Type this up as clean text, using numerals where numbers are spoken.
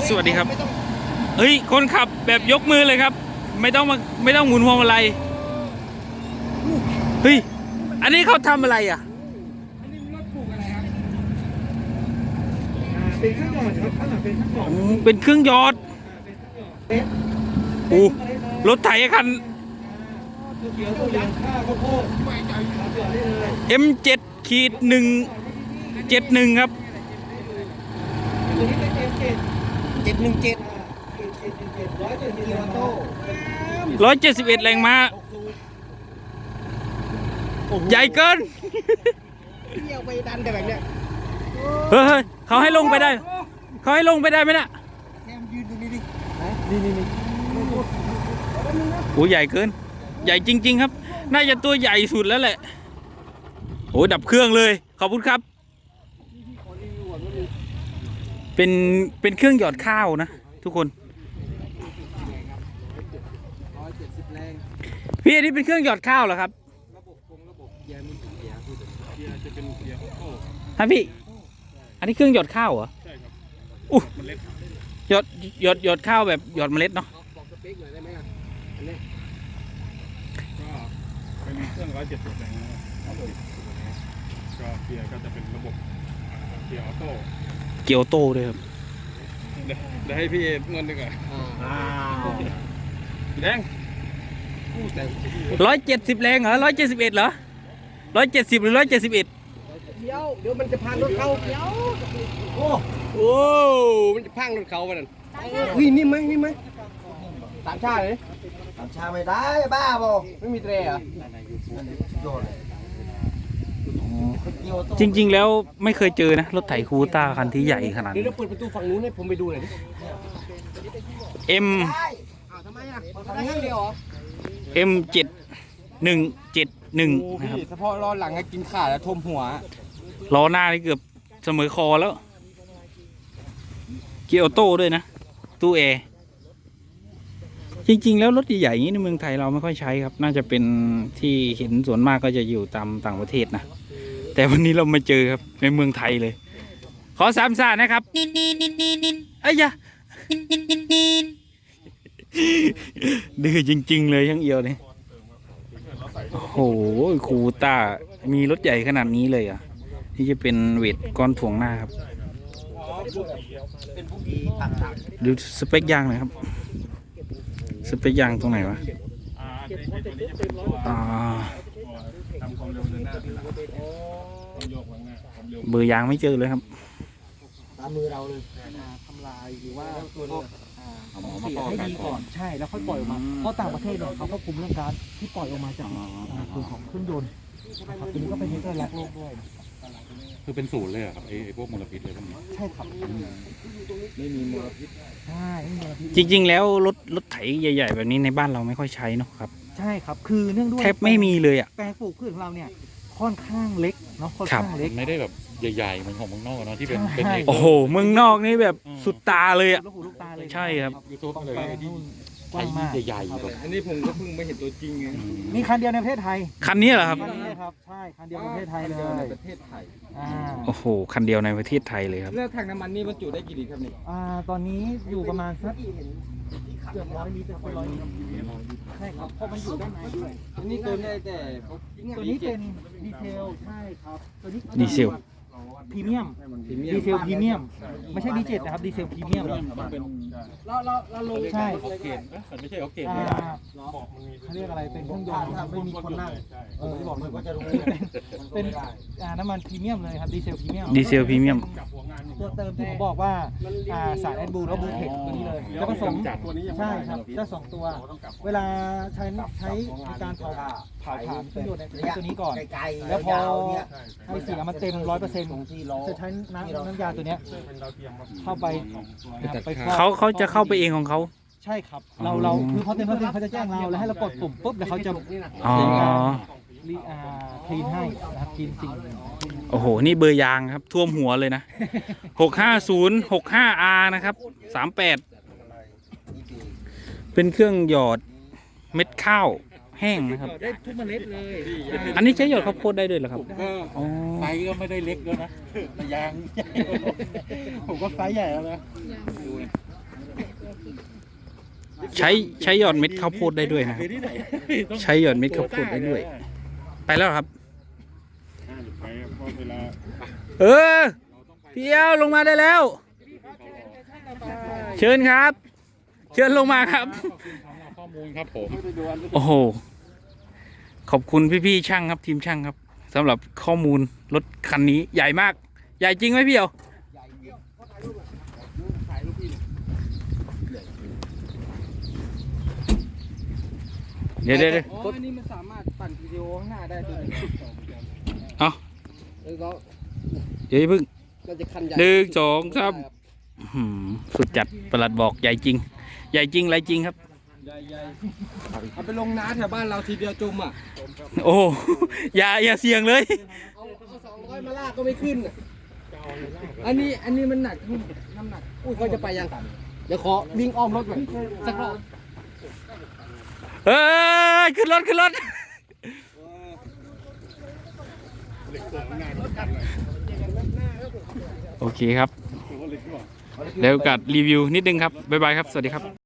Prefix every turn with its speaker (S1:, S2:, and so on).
S1: สวัสดีครับเฮ้ยคนขับแบบยกมือเลยครับไม่ต้องหมุนพวงมาลัยเฮ้ยอันนี้เขาทำอะไรอ่ะ
S2: อันนี้รถปลูกอะไรครับเป็นเครื่องหยอดครับข้างหลังเป็นเครื่องหยอด
S1: เป็นเครื่องหยอดโอ้รถไถคัน
S2: ตัวเขียวตัวยักษ์ข้าวโพดไม่ใจเสือได้เลย
S1: M7-171 ครับ
S2: ตัวนี้เป็น
S3: 717
S2: 171
S1: 171แรงม้าใหญ่เกิน
S3: เที่ยวไปดันแต่แบบเนี้ย
S1: เฮ้ยเขาให้ลงไปได้ไหมน่ะ
S3: แซมยืนตรงนี้ดินี่
S1: โอ้ใหญ่เกินใหญ่จริงๆครับน่าจะตัวใหญ่สุดแล้วแหละโอ้ดับเครื่องเลยขอบคุณครับเป็นเครื่องหยอดข้าวนะทุกคน
S3: 170แรง
S1: พี่อันนี้เป็นเครื่องหยอดข้าวเหรอครับ
S3: ระบบเกียร์มีกี่เกียร์เกียร์จะเป็นเกียร์ออโต้
S1: ฮะพี่อันนี้เครื่องหยอดข้าวเหรอ
S3: ใช่ครับ
S1: อู้
S3: เมล็ด
S1: หยอดข้าวแบบหยอดเมล็ดเนาะ
S3: บอกสเปคหน่อยได้ไหมอันนี้
S4: ก็เป็นเครื่อง170แรงนะครับก็เกียร์ก็จะเป็นระบบเกียร์ออโต้
S1: เกียวโต้ด้วยครับ
S4: เดี๋ยวให้พี่เอนวดดีกว่าแดง
S1: 170แรงเหรอ171เหรอ170หรือ171
S3: เดี๋ยวมันจะพังรถเขาโอ้มันจะพังรถเขาไปนั่นอุ้ยนี่ไหมสามชาเลยสามชาไม่ได้บ้าบ่ไม่มีเตรเหรอ
S1: จริงๆแล้วไม่เคยเจอนะรถไถคูต้าคันที่ใหญ่ขนาดนี้
S3: เดี๋ยวเปิดประตูฝั่งนู้นให้ผมไปดูหน่อยดิ
S1: M
S3: ทำไมอ่ะทำให้เดียวเหรอ
S1: M7-171นะครับ
S3: เฉพาะล้อหลังก็กินขาดแล้วทมหัว
S1: ล้อหน้านี่เกือบเสมอคอแล้วเกียร์ออโต้ด้วยนะตู้แอร์จริงๆแล้วรถใหญ่ๆอย่างนี้ในเมืองไทยเราไม่ค่อยใช้ครับน่าจะเป็นที่เห็นส่วนมากก็จะอยู่ตามต่างประเทศนะแต่วันนี้เรามาเจอครับในเมืองไทยเลยขอสามซ่านะครับเอ้ยยะดื้อจริงๆเลยช่างเอียวเนี่ยโอ้โหคูต้ามีรถใหญ่ขนาดนี้เลยอ่ะนี่จะเป็นเวทก้อนถ่วงหน้าครับดูสเปคยางหน่อยครับสเปคยางตรงไหนวะ
S4: ทำความเร็วเดินหน้าทีหลังโยกหลังหน้าความเร็ว
S1: เบอร์ยางไม่เจอเลยครับ
S3: ตามมือเราเลยทำลายหรือว่าเสียให้ดีก่อนใช่แล้วค่อยปล่อยออกมาเพราะต่างประเทศเนี่ยเขาก็คุมเรื่องการที่ปล่อยออกมาจากตัวของเครื่องยนต์ครับตัวนี้ก็เป็นเรื่องรักโลกด้วย
S4: คือเป็นศูนย์เลยครับไอ้พวกมลพิษเลยพวกนี้
S3: ใช่ครับไม่มีมลพิษใช่ไม่มีมลพิษ
S1: จริงๆแล้วรถไถใหญ่ๆแบบนี้ในบ้านเราไม่ค่อยใช้เนาะครับ
S3: ใช่ครับคือเนื่องด้วย
S1: แทบไม่มีเลยอ่ะ
S3: แปลงปลูกพืชของเราเนี่ยค่อนข้างเล็กเนาะค่อนข้างเล็ก
S4: ไม่ได้แบบใหญ่ๆเหมือนของเมืองนอกเนาะที่เป็น
S1: โอ้โหเมืองนอกนี่แบบสุดตาเลยอ่ะใช่ครับ
S4: ยูทูบเลยที่
S3: กว้างมาก
S4: ใหญ่ๆแบบ
S2: อันนี้ผมก็เพิ่งไม่เห็นตัวจริงไง
S3: มีคันเดียวในประเทศไทย
S1: คันนี้เหรอครับ
S3: คันนี้ครับใช่คันเดียวในประเทศไทยเลย
S2: ประเทศไทย
S1: โอ้โหคันเดียวในประเทศไทยเลยครับ
S2: เลือกถังน้ำมันนี่บรรจุได้กี่ลิตรครับนี่
S3: ตอนนี้อยู่ประมาณสักเกือบ100 ลิตร100 ลิตรใช่ครับเพราะมันอยู่ด้านในด้วย
S2: อันนี้ตัวได้แต่
S3: ตัวนี้เป็นดีเทลใช่ครับตัวนี้
S1: ดีเซล
S3: พรีเมียมดีเซลพรีเมียมไม่ใช่ดีเจ็ตนะครับดีเซลพรีเมียม
S4: เป็น
S3: เราลงใช่
S4: โอเคไม่ใช่โอเค
S3: เขาเรียกอะไรเป็นเครื่องยนต์ไม่มีคนนั่งที่บอกมันก็จะรู้เป็นน้ำมันพรีเมียมเลยครับดีเซลพรีเมียมตัวเติมที่ผมบอกว่าสารแอดบูแล้วบูเทคตัวนี้เลยแล้วผสมใช่ครับจะ2ตัวเวลาใช้ในการเผาถ่านเครื่องยนต์ในตัวนี้ก่อนแล้วพอให้เสียมันเต็ม 100%จะใช้น้ำยาตัวนี้เข้าไป
S1: เขาจะเข้าไปเองของเขา
S3: ใช่ครับเราคือพอเต็มเขาจะแจ้งเราแล้วให้เรากดปุ่มปุ๊บแล้วเขาจะคลีนให้นะครับคลีนสิ่ง
S1: โอ้โหนี่เบอร์ยางครับท่วมหัวเลยนะ65065R นะครับ38เป็นเครื่องหยอดเม็ดข้าวแห้งนะครับ
S3: ได้ทุกเมล็ดเลย
S1: อันนี้ใช้หยอดข้าวโพดได้ด้วยเหรอครับ
S4: ไซส์ก็ไม่ได้เล็กแล้วนะยางผมก็ไซส์ใหญ่แล้วนะ
S1: ใช้หยอดเม็ดข้าวโพดได้ด้วยนะครับ
S2: ที่ไหน
S1: ใช้หยอดเม็ดข้าวโพดได้ด้วย ไปแล้วครับ
S4: ไปเพราะเวลา
S1: เออพี่เอวลงมาได้แล้ว เชิญครับ เชิญลงมาครับ
S4: ขอบคุณสำหรับข้อมูลครับผม
S1: โอ้โห ขอบคุณพี่ๆช่างครับทีมช่างครับสำหรับข้อมูลรถคันนี้ใหญ่มาก ใหญ่จริงไหมพี่เอวเดี๋ยว
S3: อ๋ออันนี้มันสามารถปั่นวิดีโอข้างหน้าได้ด้วย
S1: เอา
S3: แล้วก็
S1: เดี๋ยวอย่าเพึ่ง
S3: เราจะคันใหญ่
S1: 1 2 3สุดจัดประหลัดบอกใหญ่จริง ใหญ่จริงไรจริงครับ
S3: เอาไปลงน้าแถวบ้านเราทีเดียวจุ่มอ่ะ
S1: โอ้โหอย่าเสี่ยงเลย
S3: เอา200มาลากก็ไม่ขึ้นอ่ะอันนี้มันหนักน้ำหนักอุ้ยเขาจะไปยังเดี๋ยวขอวิ่งอ้อมรถก่อนสักรอบ
S1: เอ้ยขึ้นรถ โอเคครับ เดี๋ยวกัดรีวิวนิดนึงครับ บ๊ายบายครับ สวัสดีครับ